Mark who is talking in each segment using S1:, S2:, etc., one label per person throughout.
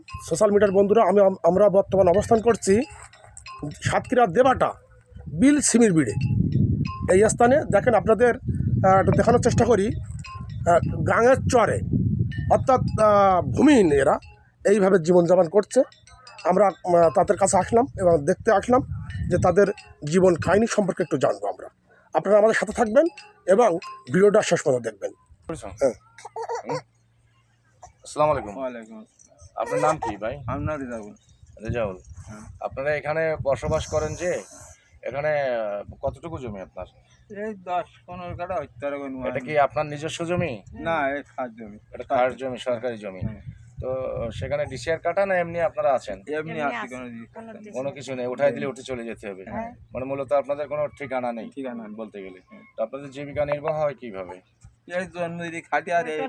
S1: Social মিডিয়ার বন্ধুরা, আমরা বর্তমান অবস্থান করছি সাতক্ষীরা দেবাটা বিল সিমির বিড়ে। এই স্থানে দেখেন, আপনাদের একটু দেখানোর চেষ্টা করি। গাঙের চরে, অর্থাৎ ভূমিহীন এরা এইভাবে জীবনযাপন করছে। আমরা তাদের কাছে আসলাম এবং দেখতে আসলাম যে তাদের জীবন কাহিনী সম্পর্কে একটু জানবো আমরা। আপনারা আমাদের সাথে থাকবেন এবং ভিডিওটা শেষ পর্যন্ত দেখবেন। হ্যাঁ,
S2: আসসালামু আলাইকুম।
S3: ওয়ালাইকুম আসসালাম।
S2: আপনার নাম কি ভাই?
S3: আমার নাম রেজাউল।
S2: রেজাউল। আপনারা এখানে বসবাস করেন যে, এখানে কতটুকু জমি আপনার?
S3: এই 10-15 কাঠা হইতে পারে কোনো।
S2: এটা কি আপনার নিজস্ব জমি?
S3: না, এই খাস জমি।
S2: এটা কার জমি? সরকারি জমি। তো সেখানে ডিসিআর কাটা না এমনি আপনারা আছেন?
S3: এমনি আছে,
S2: কোনো কিছু নেই, উঠাই দিলে উঠে চলে যেতে হবে। মানে মূলত আপনাদের কোনো ঠিকানা নেই
S3: ঠিকানা নেই।
S2: বলতে গেলে। তো আপনাদের জীবিকা নির্বাহ হয় কিভাবে?
S3: এই জন্মদিন খাটি আর এই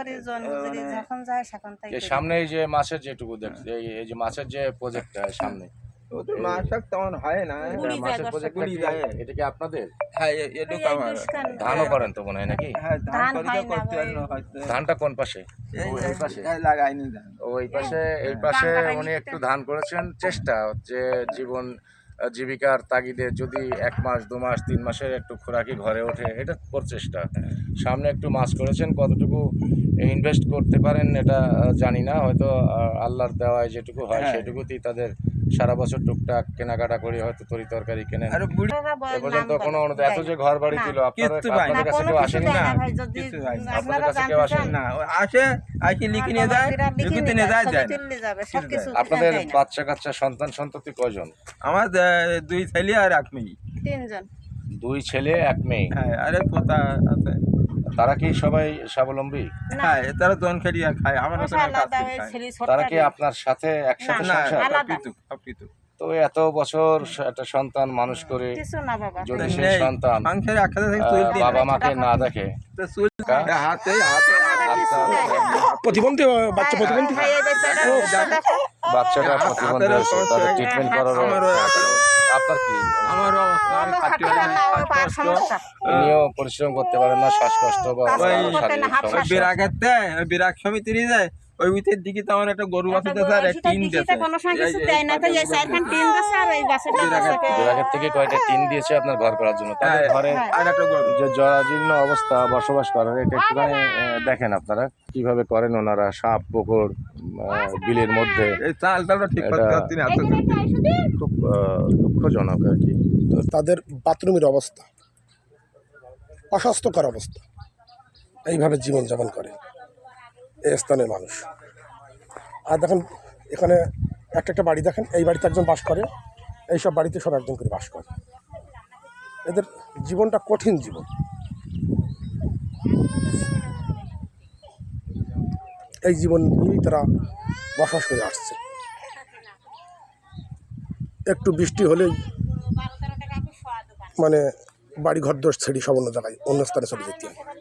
S2: এই সামনে এই যে মাছের যেটুকু দেখছি, এই যে মাছের যে প্রজেক্টটা সামনে,
S3: ওদের মাসাক তেমন হয় না।
S2: মাছের প্রজেক্ট এটা কি আপনাদের?
S3: হ্যাঁ, এটুকু আমার।
S2: ধানও করেন তো মনে হয় নাকি?
S3: হ্যাঁ, ধান করি তো করতে পারি না হয়তো।
S2: ধানটা কোন পাশে?
S3: এই পাশে লাগাইনি ধান।
S2: ওই পাশে, এই পাশে উনি একটু ধান করেছেন। চেষ্টা হচ্ছে জীবন জীবিকার তাগিদে যদি 1 মাস 2 মাস 3 মাসের একটু খোরাকি ঘরে ওঠে, এটা প্রচেষ্টা। সামনে একটু মাছ করেছেন, কতটুকু ইনভেস্ট করতে পারেন এটা জানি না। হয়তো আল্লাহর দেওয়ায় যেটুকু হয় সেটুকুতেই তাদের সারা বছর টুকটাক কেনাকাটা করে হয়তো তরি তরকারি কেনেন।
S3: আর বুড়ি
S2: এ পর্যন্ত কোনো এত যে ঘর বাড়ি দিল, আপনাদের কাছে কেউ আসেনি?
S3: না,
S2: আপনাদের কাছে কেউ আসেনি?
S3: না, আসে লিখে নিয়ে যায়, লিখিতে নিয়ে যায় দেয়।
S2: আপনাদের বাচ্চা কাচ্চা সন্তান সন্ততি কয়জন?
S3: আমার 2 ছেলে আর 1 মেয়ে।
S4: 3 জন।
S2: 2 ছেলে 1 মেয়ে।
S3: হ্যাঁ, আরে পোতা আছে।
S2: তারা কি সবাই স্বাবলম্বী?
S3: হ্যাঁ, তারা জন খেলিয়া খায়, আমার মতন কাজ করে খায়।
S2: তারা কি আপনার সাথে একসাথে
S3: না,
S2: সংসার?
S3: সবকিছু।
S2: তো এত বছর একটা সন্তান মানুষ করে
S4: কিছু না বাবা।
S2: যদি সেই সন্তান
S3: সংসারে একসাথে থেকে চুল দিয়ে
S2: বাবা মাকে না দেখে,
S3: তো চুল হাতে
S1: প্রতিবন্ধী বাচ্চা, প্রতিবন্ধী
S2: বাচ্চাটা প্রতিবন্ধী হয়েছে, তাদের ট্রিটমেন্ট করার আপনার কি?
S3: আমার অবস্থা, আমি খাটি
S2: উনিও পরিশ্রম করতে পারেন না, শ্বাসকষ্ট বা শারীরিক সমস্যা।
S3: বিরাগেতে বিরাগ সমিতি নিয়ে যায়, ওই ভিতর দিকে তো আমার একটা গরু আছে, স্যার টিন দিয়েছে।
S2: বিরাগের থেকে কয়টা টিন দিয়েছে আপনার ঘর করার জন্য? তাদের ঘরে
S3: আর একটা গরু
S2: যে জরাজীর্ণ অবস্থা বসবাস করেন, এটা একটুখানি দেখেন আপনারা কিভাবে করেন ওনারা। সাপ পুকুর বিলের মধ্যে,
S3: এই চালটা ঠিক করতে পারছি না,
S2: খুব দুঃখজনক আর কি।
S1: তো তাদের বাথরুমের অবস্থা, অস্বাস্থ্যকর অবস্থা, এইভাবে জীবনযাপন করে এই স্থানের মানুষ। আর দেখেন এখানে একটা বাড়ি দেখেন, এই বাড়িতে একজন বাস করে, এইসব বাড়িতে সব একজন করে বাস করে। এদের জীবনটা কঠিন জীবন। এই জীবন নিয়েই তারা বসবাস করে আসছে। একটু বৃষ্টি হলেই মানে বাড়ি ঘর দোষ ছেড়ে সব অন্য জায়গায়, অন্য স্থানে চলে যেতে হয়।